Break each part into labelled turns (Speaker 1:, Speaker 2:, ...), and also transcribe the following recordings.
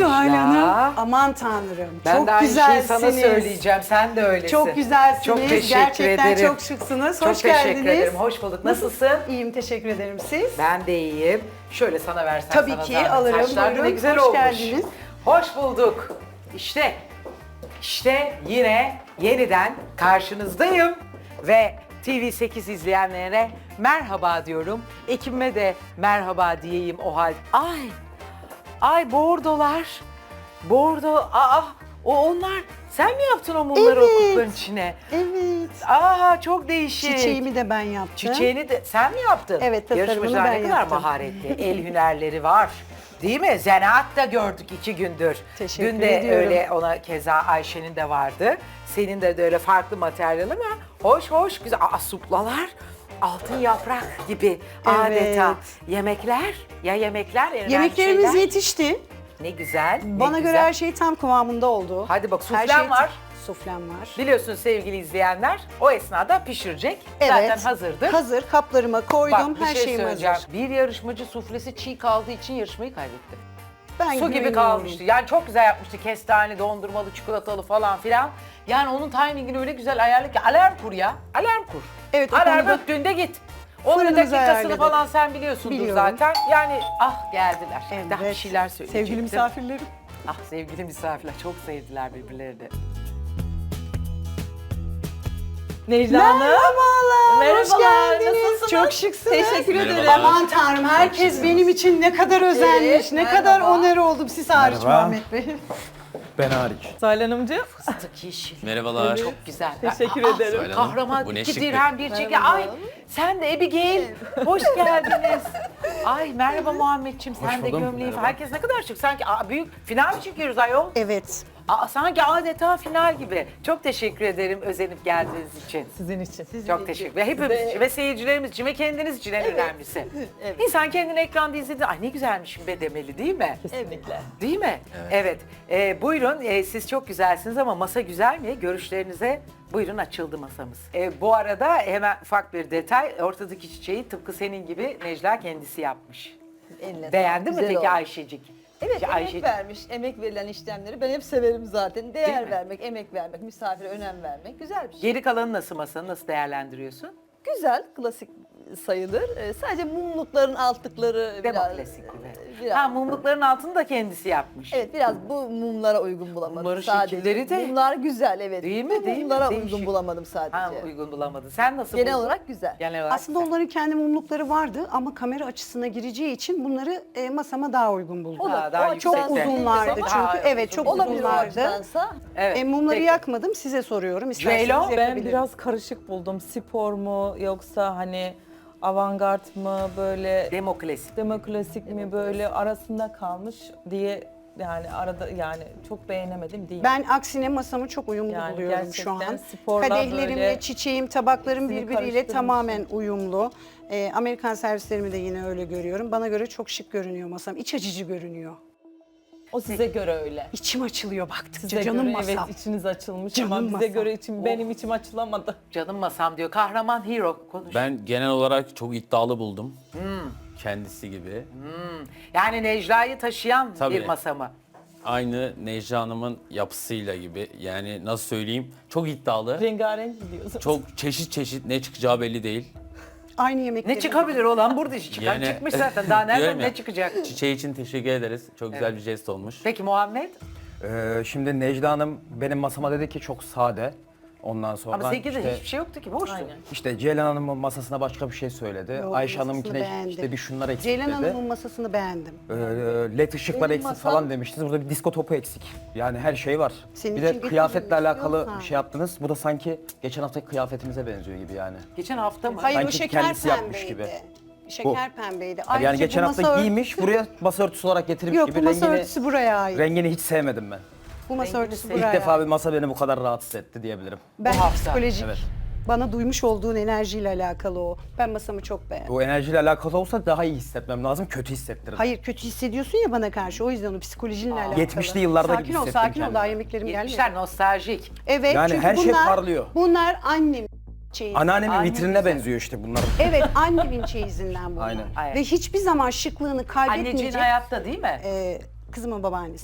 Speaker 1: Zuhal
Speaker 2: ya.
Speaker 1: Hanım. Aman tanrım.
Speaker 2: Ben
Speaker 1: çok
Speaker 2: de aynı şeyi
Speaker 1: güzelsiniz.
Speaker 2: sana söyleyeceğim. Sen de öylesin.
Speaker 1: Çok güzelsiniz.
Speaker 2: Çok teşekkür
Speaker 1: Gerçekten
Speaker 2: ederim.
Speaker 1: çok şıksınız.
Speaker 2: Çok
Speaker 1: Hoş
Speaker 2: teşekkür
Speaker 1: geldiniz.
Speaker 2: ederim. Hoş bulduk. Nasılsın?
Speaker 1: İyiyim, teşekkür ederim. Siz?
Speaker 2: Ben de iyiyim. Şöyle sana versem
Speaker 1: Tabii
Speaker 2: sana
Speaker 1: ki,
Speaker 2: zahmet.
Speaker 1: alırım.
Speaker 2: Saçlar da ne
Speaker 1: Buyurun,
Speaker 2: güzel
Speaker 1: hoş
Speaker 2: olmuş.
Speaker 1: geldiniz.
Speaker 2: Hoş bulduk. İşte yine yeniden karşınızdayım. Ve TV8 izleyenlere merhaba diyorum. Ekibime de merhaba diyeyim o halde. Ay bordolar. Bordo. Onlar. Sen mi yaptın o mumları o
Speaker 1: Evet.
Speaker 2: kutuların içine?
Speaker 1: Evet.
Speaker 2: Çok değişik.
Speaker 1: Çiçeğimi de ben yaptım.
Speaker 2: Çiçeğini de sen mi yaptın?
Speaker 1: Evet, tasarımını
Speaker 2: Yarışmacılar
Speaker 1: ben
Speaker 2: ne kadar
Speaker 1: yaptım.
Speaker 2: maharetli, el hünerleri var. Değil mi? Zanaat da gördük 2 gündür.
Speaker 1: Teşekkür
Speaker 2: Dün de
Speaker 1: ediyorum.
Speaker 2: öyle ona keza Ayşe'nin de vardı. Senin de öyle farklı materyal ama hoş güzel. Suplalar altın yaprak gibi adeta. Yemekler ya
Speaker 1: Yemeklerimiz
Speaker 2: şeyler.
Speaker 1: yetişti.
Speaker 2: Ne güzel. ne
Speaker 1: Bana göre
Speaker 2: güzel.
Speaker 1: her şey tam kıvamında oldu.
Speaker 2: Hadi bak,
Speaker 1: Her
Speaker 2: suflem
Speaker 1: şey
Speaker 2: var.
Speaker 1: Suflem var.
Speaker 2: Biliyorsun sevgili izleyenler o esnada pişirecek.
Speaker 1: Evet.
Speaker 2: Zaten hazırdır.
Speaker 1: Hazır, kaplarıma koydum.
Speaker 2: Bak bir
Speaker 1: her
Speaker 2: şey
Speaker 1: şeyim
Speaker 2: söyleyeceğim.
Speaker 1: hazır.
Speaker 2: Bir yarışmacı suflesi çiğ kaldığı için yarışmayı kaybetti.
Speaker 1: Ben
Speaker 2: Su gibi
Speaker 1: güveniyorum.
Speaker 2: kalmıştı. Yani çok güzel yapmıştı. Kestane, dondurmalı, çikolatalı falan filan. Yani onun timingini öyle güzel ayarlı ki alarm kur ya. Alarm kur.
Speaker 1: Evet, o
Speaker 2: alarm
Speaker 1: konuda
Speaker 2: öttüğünde git. Onun
Speaker 1: fırınımızı
Speaker 2: dakikasını
Speaker 1: ayarladık.
Speaker 2: falan sen biliyorsundur
Speaker 1: Biliyorum.
Speaker 2: zaten. Yani geldiler.
Speaker 1: Evet.
Speaker 2: Daha bir şeyler söyleyecektim.
Speaker 1: Sevgili misafirlerim.
Speaker 2: Sevgili misafirler çok sevdiler birbirlerini.
Speaker 3: Necla Hanım.
Speaker 1: Merhabalar, hoş
Speaker 3: Merhabalar,
Speaker 1: geldiniz.
Speaker 3: nasılsınız?
Speaker 1: Çok şıksınız.
Speaker 3: Teşekkür ederim.
Speaker 4: Merhabalar.
Speaker 1: Aman tanrım, herkes benim için ne kadar özenmiş,
Speaker 3: Evet,
Speaker 1: ne
Speaker 3: merhaba.
Speaker 1: kadar onur oldum. Siz hariç
Speaker 4: Merhaba.
Speaker 1: Muhammed Bey.
Speaker 4: Ben hariç.
Speaker 3: Zuhal Hanımcığım.
Speaker 2: Fıstık yeşil.
Speaker 4: Merhabalar.
Speaker 2: Çok güzel.
Speaker 3: Teşekkür ederim.
Speaker 4: Söyle Hanım,
Speaker 2: Kahraman
Speaker 4: bu ne
Speaker 2: 2
Speaker 4: şıklık.
Speaker 2: dirhem bir çeki. Ay sen de Abigail. Hoş geldiniz. Ay merhaba Muhammedciğim, sen
Speaker 4: Hoş
Speaker 2: de
Speaker 4: buldum,
Speaker 2: gömleği.
Speaker 4: merhaba.
Speaker 2: Herkes ne kadar şık. Sanki büyük final mi çekiyoruz ayol?
Speaker 1: Evet.
Speaker 2: Sanki adeta final gibi. Çok teşekkür ederim özenip geldiğiniz için.
Speaker 3: Sizin için.
Speaker 2: Çok teşekkür ederim. Hepimiz için ve seyircilerimiz için ve kendiniz için en önemlisi. İnsan kendini ekranda izlediğinde ay ne güzelmişim be demeli değil mi?
Speaker 3: Kesinlikle.
Speaker 2: Değil mi? Evet. Buyurun siz çok güzelsiniz ama masa güzel mi? Görüşlerinize buyurun, açıldı masamız. Bu arada hemen ufak bir detay. Ortadaki çiçeği tıpkı senin gibi Necla kendisi yapmış.
Speaker 5: Eline
Speaker 2: Beğendi mi
Speaker 5: güzel
Speaker 2: peki
Speaker 5: oldu.
Speaker 2: Ayşecik?
Speaker 5: Evet,
Speaker 2: Ki
Speaker 5: emek
Speaker 2: Ayşecik.
Speaker 5: vermiş, emek verilen işlemleri ben hep severim zaten.
Speaker 2: Değil
Speaker 5: Değer
Speaker 2: mi?
Speaker 5: vermek, emek vermek, misafire önem vermek güzel bir şey.
Speaker 2: Geri kalanı nasıl, masanı nasıl değerlendiriyorsun?
Speaker 5: Güzel, klasik sayılır. Sadece mumlukların altlıkları biraz...
Speaker 2: Demokrasi gibi.
Speaker 5: biraz-
Speaker 2: Mumlukların altını da kendisi yapmış.
Speaker 5: Evet, biraz bu mumlara uygun bulamadım
Speaker 2: Mumların
Speaker 5: sadece.
Speaker 2: şekilleri de-
Speaker 5: Mumlar güzel, evet.
Speaker 2: Değil mi?
Speaker 5: Bu
Speaker 2: Değil mi?
Speaker 5: mumlara
Speaker 2: Değişik.
Speaker 5: uygun bulamadım sadece.
Speaker 2: Uygun bulamadın. Sen nasıl
Speaker 5: Genel
Speaker 2: buldun?
Speaker 5: olarak güzel.
Speaker 2: Genel olarak
Speaker 1: Aslında
Speaker 2: güzel.
Speaker 1: onların kendi mumlukları vardı ama kamera açısına gireceği için bunları masama daha uygun buldum.
Speaker 5: O da-
Speaker 2: daha
Speaker 5: o
Speaker 1: Çok
Speaker 2: yüksekte.
Speaker 1: uzunlardı
Speaker 5: Ama-
Speaker 1: çünkü.
Speaker 2: Daha
Speaker 1: Evet, çok
Speaker 5: Olabilir o
Speaker 1: uzunlardı.
Speaker 5: açıdansa.
Speaker 2: Evet.
Speaker 1: Mumları
Speaker 2: peki.
Speaker 1: yakmadım, size soruyorum. İsterseniz
Speaker 2: Ceylo,
Speaker 3: Ben
Speaker 1: yakabilirim.
Speaker 3: biraz karışık buldum. Spor mu yoksa hani avantgard mı böyle
Speaker 2: Demokrasi.
Speaker 3: demokrasik mi böyle arasında kalmış diye yani arada yani çok beğenemedim değil.
Speaker 1: Ben aksine masamı çok uyumlu
Speaker 3: Yani
Speaker 1: buluyorum şu
Speaker 3: gerçekten
Speaker 1: an.
Speaker 3: sporla
Speaker 1: Kadehlerimle,
Speaker 3: böyle
Speaker 1: çiçeğim, tabaklarım
Speaker 3: ikisini
Speaker 1: birbiriyle
Speaker 3: karıştırmışsın.
Speaker 1: tamamen uyumlu. Amerikan servislerimi de yine öyle görüyorum. Bana göre çok şık görünüyor masam. İç açıcı görünüyor.
Speaker 3: o size göre öyle.
Speaker 1: İçim açılıyor baktıkça.
Speaker 3: Size
Speaker 1: Canım
Speaker 3: göre
Speaker 1: masam.
Speaker 3: evet içiniz açılmış
Speaker 1: Canım
Speaker 3: ama bize
Speaker 1: masam.
Speaker 3: göre benim içim açılamadı.
Speaker 2: Canım masam diyor. Kahraman hero konuş.
Speaker 4: Ben genel olarak çok iddialı buldum. Kendisi gibi.
Speaker 2: Yani Necla'yı taşıyan bir
Speaker 4: Tabii.
Speaker 2: masa mı?
Speaker 4: Aynı Necla Hanım'ın yapısıyla gibi. Yani nasıl söyleyeyim? Çok iddialı.
Speaker 3: Rengarenk gidiyorsunuz.
Speaker 4: Çok çeşit ne çıkacağı belli değil.
Speaker 1: Aynı yemekleri.
Speaker 2: Ne çıkabilir olan burada iş çıkan
Speaker 4: Yani-
Speaker 2: çıkmış zaten. Daha nereden
Speaker 4: Diyorum ya,
Speaker 2: ne çıkacak?
Speaker 4: Çiçeği için teşekkür ederiz. Çok güzel bir jest olmuş.
Speaker 2: Peki Muhammed?
Speaker 6: Şimdi Necla Hanım benim masama dedi ki çok sade. Ondan sonra
Speaker 2: Ama sevgili
Speaker 6: işte,
Speaker 2: hiçbir şey yoktu ki. Boştu.
Speaker 3: Aynen.
Speaker 6: işte Ceylan Hanım'ın masasına başka bir şey söyledi.
Speaker 1: Yok,
Speaker 6: Ayşe
Speaker 1: masasını
Speaker 6: Hanım'ınkine
Speaker 1: beğendim.
Speaker 6: işte bir şunlar eksik
Speaker 1: Ceylan
Speaker 6: dedi.
Speaker 1: Hanım'ın masasını beğendim.
Speaker 6: LED ışıklar
Speaker 5: Benim
Speaker 6: eksik
Speaker 5: masam-
Speaker 6: falan demiştiniz. Burada bir disko topu eksik. Yani her şey var.
Speaker 1: Senin
Speaker 6: bir
Speaker 1: için
Speaker 6: de
Speaker 1: getirdim
Speaker 6: kıyafetle alakalı
Speaker 1: istiyorsan.
Speaker 6: bir şey yaptınız. Bu da sanki geçen haftaki kıyafetimize benziyor gibi yani.
Speaker 2: Geçen hafta mı?
Speaker 1: Hayır, o
Speaker 6: Sanki
Speaker 1: şeker
Speaker 6: kendisi yapmış
Speaker 1: pembeydi.
Speaker 6: gibi.
Speaker 1: Şeker pembeydi.
Speaker 6: Yani
Speaker 1: Ayrıca
Speaker 6: geçen
Speaker 1: bu
Speaker 6: hafta
Speaker 1: masa
Speaker 6: giymiş, buraya masa örtüsü olarak getirmiş
Speaker 1: Yok,
Speaker 6: gibi
Speaker 1: bu masa örtüsü buraya ait.
Speaker 6: rengini hiç sevmedim ben.
Speaker 1: Bu masa örtüsü
Speaker 2: sevdim.
Speaker 1: buraya
Speaker 6: İlk defa
Speaker 1: ait.
Speaker 6: bir masa beni bu kadar rahatsız etti diyebilirim.
Speaker 1: Ben
Speaker 2: Bu hafta.
Speaker 1: psikolojik.
Speaker 6: Evet.
Speaker 1: Bana duymuş olduğun enerjiyle alakalı o. Ben masamı çok beğendim.
Speaker 6: O enerjiyle alakalı olsa daha iyi hissetmem lazım, kötü hissettirir.
Speaker 1: Hayır, kötü hissediyorsun ya bana karşı. O yüzden o psikolojinle alakalı.
Speaker 6: 70'li yıllarda
Speaker 1: sakin
Speaker 6: gibi
Speaker 1: ol,
Speaker 6: hissettim
Speaker 1: sakin ol.
Speaker 6: kendimi.
Speaker 1: Daha yemeklerim gelmedi.
Speaker 2: 70'ler nostaljik.
Speaker 1: Evet,
Speaker 6: Yani
Speaker 1: çünkü
Speaker 6: her şey
Speaker 1: bunlar,
Speaker 6: parlıyor.
Speaker 1: Bunlar annem çeyizi.
Speaker 6: Anneannemin
Speaker 2: Anne
Speaker 6: vitrinine
Speaker 2: güzel.
Speaker 6: benziyor işte bunlar.
Speaker 1: Evet, annemin çeyizinden bunlar.
Speaker 6: Aynen.
Speaker 2: Aynen.
Speaker 1: Ve hiçbir zaman şıklığını
Speaker 2: Anneciğin
Speaker 1: kaybetmeyecek.
Speaker 2: hayatta değil mi?
Speaker 1: Kızımın babaannesi.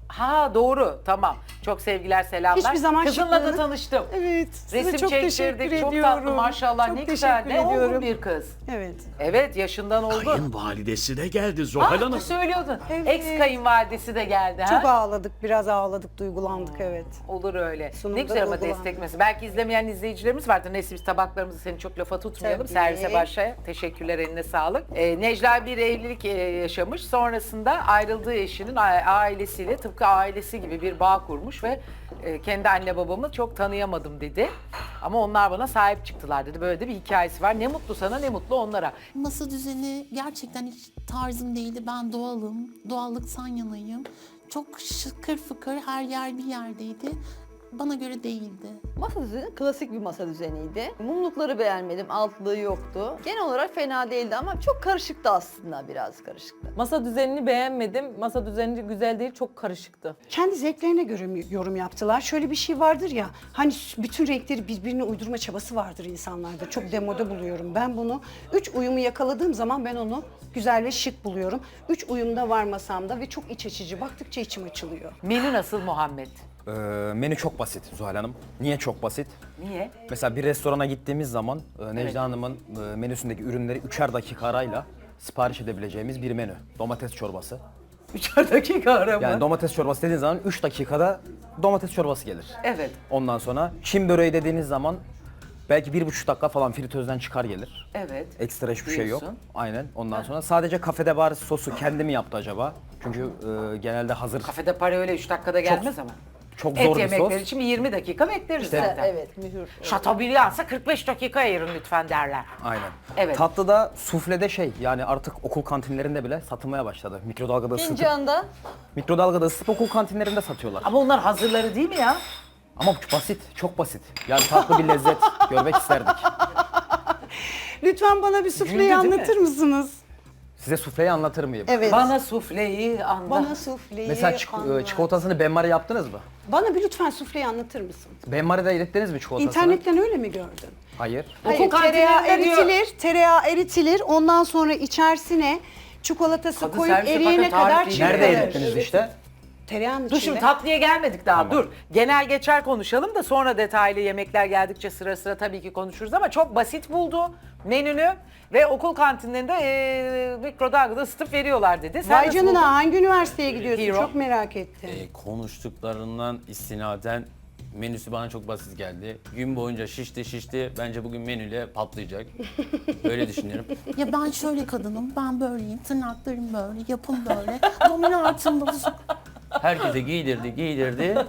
Speaker 2: Ha doğru, tamam. Çok sevgiler, selamlar.
Speaker 1: Hiçbir zaman
Speaker 2: Kızınla da
Speaker 1: şıklığını-
Speaker 2: tanıştım.
Speaker 1: Evet. Size
Speaker 2: Resim
Speaker 1: çok teşekkür
Speaker 2: çektirdik, çok
Speaker 1: ediyorum.
Speaker 2: tatlı maşallah,
Speaker 1: Çok
Speaker 2: ne güzel.
Speaker 1: teşekkür
Speaker 2: Ne olgun
Speaker 1: ediyorum.
Speaker 2: bir kız.
Speaker 1: Evet.
Speaker 2: Evet, yaşından olgun.
Speaker 7: Kayınvalidesi de geldi Zuhal
Speaker 2: Ah,
Speaker 8: Hanım.
Speaker 2: söylüyordun.
Speaker 1: Evet.
Speaker 2: Ex kayınvalidesi de geldi.
Speaker 1: Çok
Speaker 2: ha?
Speaker 1: ağladık, biraz ağladık, duygulandık evet.
Speaker 2: Olur öyle.
Speaker 1: Sunumda
Speaker 2: Ne güzel ama
Speaker 1: duygulandım.
Speaker 2: destek mesela. Belki izlemeyen izleyicilerimiz vardır. Neyse biz tabaklarımızı seni çok lafa tutmayalım.
Speaker 1: Tabii.
Speaker 2: Servise başlayalım. Teşekkürler, eline sağlık. Necla bir evlilik yaşamış. Sonrasında ayrıldığı eşinin ailesiyle tıpkı ailesi gibi bir bağ kurmuş ve kendi anne babamı çok tanıyamadım dedi. Ama onlar bana sahip çıktılar dedi. Böyle de bir hikayesi var. Ne mutlu sana, ne mutlu onlara.
Speaker 9: Masa düzeni gerçekten hiç tarzım değildi. Ben doğalım, doğallıktan yanayım. Çok şıkır fıkır, her yer bir yerdeydi. Bana göre değildi.
Speaker 5: Masa düzeni klasik bir masa düzeniydi. Mumlukları beğenmedim, altlığı yoktu. Genel olarak fena değildi ama çok karışıktı aslında, biraz karışıktı.
Speaker 3: Masa düzenini beğenmedim. Masa düzeni güzel değil, çok karışıktı.
Speaker 1: Kendi zevklerine göre yorum yaptılar. Şöyle bir şey vardır ya, hani bütün renkleri birbirine uydurma çabası vardır insanlarda. Çok demode buluyorum ben bunu. 3 uyumu yakaladığım zaman ben onu güzel ve şık buluyorum. 3 uyumda var masamda ve çok iç açıcı. Baktıkça içim açılıyor.
Speaker 2: Menü nasıl Muhammed?
Speaker 6: Menü çok basit Zuhal Hanım. Niye çok basit?
Speaker 2: Niye?
Speaker 6: Mesela bir restorana gittiğimiz zaman Necla Hanım'ın menüsündeki ürünleri 3'er dakika arayla sipariş edebileceğimiz bir menü. Domates çorbası.
Speaker 2: 3'er dakika arama.
Speaker 6: Yani domates çorbası dediğiniz zaman 3 dakikada domates çorbası gelir.
Speaker 2: Evet.
Speaker 6: Ondan sonra Çin böreği dediğiniz zaman belki 1,5 dakika falan fritözden çıkar gelir.
Speaker 2: Evet.
Speaker 6: Ekstra hiçbir şey yok.
Speaker 2: Diyorsun.
Speaker 6: Aynen. Ondan sonra sadece kafede bari sosu kendi mi yaptı acaba? Çünkü genelde hazır
Speaker 2: Kafede para öyle 3 dakikada gelmez ama.
Speaker 6: çok
Speaker 2: Et
Speaker 6: zor bir
Speaker 2: yemekleri
Speaker 6: sos.
Speaker 2: için 20 dakika bekleriz zaten.
Speaker 5: Evet, mühür.
Speaker 2: Şatobriand'sa 45 dakika ayırın lütfen derler.
Speaker 6: Aynen.
Speaker 2: Evet.
Speaker 6: Tatlıda suflede yani artık okul kantinlerinde bile satılmaya başladı. Mikrodalgada ısıtıp okul kantinlerinde satıyorlar.
Speaker 2: Ama onlar hazırları değil mi ya?
Speaker 6: Ama basit, çok basit. Yani tatlı bir lezzet görmek isterdik.
Speaker 1: Lütfen bana bir
Speaker 2: Güldü
Speaker 1: sufleyi
Speaker 2: değil mi?
Speaker 1: anlatır mısınız?
Speaker 6: Size sufleyi anlatır mıyım?
Speaker 1: Evet.
Speaker 2: Bana sufleyi anlat.
Speaker 1: Bana sufleyi
Speaker 6: Mesela
Speaker 1: anlat.
Speaker 6: çikolatasını benmari yaptınız mı?
Speaker 1: Bana bir lütfen sufleyi anlatır mısın?
Speaker 6: Benmari'de erittiniz mi çikolatasını?
Speaker 1: İnternetten öyle mi gördün?
Speaker 6: Hayır.
Speaker 1: Hayır, tereyağı eritilir. Ondan sonra içerisine çikolatası
Speaker 2: Kadın
Speaker 1: koyup
Speaker 2: servise
Speaker 1: eriyene
Speaker 2: bakın, tarif
Speaker 1: kadar
Speaker 2: değil.
Speaker 1: çırpılır.
Speaker 6: Nerede erittiniz işte?
Speaker 1: Tereyağının
Speaker 2: Dur
Speaker 1: içinde.
Speaker 2: şimdi tatlıya gelmedik daha
Speaker 6: Tamam.
Speaker 2: dur. Genel geçer konuşalım da sonra detaylı yemekler geldikçe sıra sıra tabii ki konuşuruz ama çok basit buldu menünü ve okul kantinlerinde mikrodalgada ısıtıp veriyorlar dedi. Sen
Speaker 1: Vay
Speaker 2: nasıl
Speaker 1: canına
Speaker 2: buldun?
Speaker 1: hangi üniversiteye gidiyorsun?
Speaker 2: Hero.
Speaker 1: Çok merak ettim.
Speaker 4: Konuştuklarından istinaden menüsü bana çok basit geldi. Gün boyunca şişti. Bence bugün menüyle patlayacak. Öyle düşünüyorum.
Speaker 9: Ya ben şöyle kadınım, ben böyleyim, tırnaklarım böyle, yapım böyle, dominantım bozuk.
Speaker 4: Herkese giydirdi.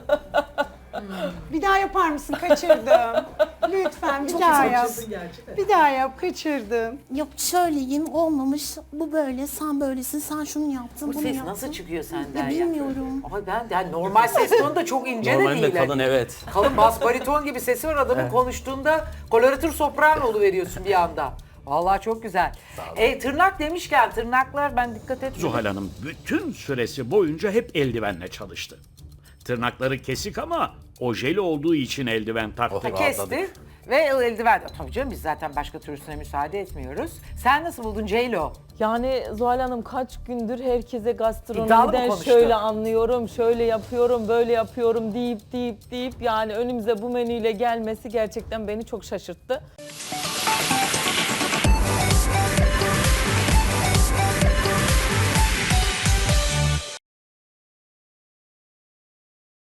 Speaker 1: Bir daha yapar mısın? Kaçırdım. Lütfen bir daha yap. Bir daha yap, kaçırdım.
Speaker 9: Yok şöyleyim, olmamış, bu böyle, sen böylesin, sen şunu yaptın,
Speaker 2: Bu
Speaker 9: bunu
Speaker 2: ses
Speaker 9: yaptın.
Speaker 2: nasıl çıkıyor senden
Speaker 9: Ya bilmiyorum.
Speaker 2: Ama ben yani normal ses tonu da çok ince de
Speaker 4: Normalde
Speaker 2: değil.
Speaker 4: kalın evet.
Speaker 2: Kalın bas bariton gibi sesi var adamın konuştuğunda koloratür soprano oluveriyorsun bir anda. Vallahi çok güzel. Tırnak demişken tırnaklar ben dikkat etmedim.
Speaker 8: Zuhal Hanım bütün süresi boyunca hep eldivenle çalıştı. Tırnakları kesik ama ojeli olduğu için eldiven taktı.
Speaker 2: Kesti ve eldiven. Tabii canım biz zaten başka türlüsüne müsaade etmiyoruz. Sen nasıl buldun Ceylo?
Speaker 3: Yani Zuhal Hanım kaç gündür herkese
Speaker 2: İddialı mı
Speaker 3: gastronomiden
Speaker 2: konuştu?
Speaker 3: şöyle anlıyorum, şöyle yapıyorum, böyle yapıyorum deyip yani önümüze bu menüyle gelmesi gerçekten beni çok şaşırttı.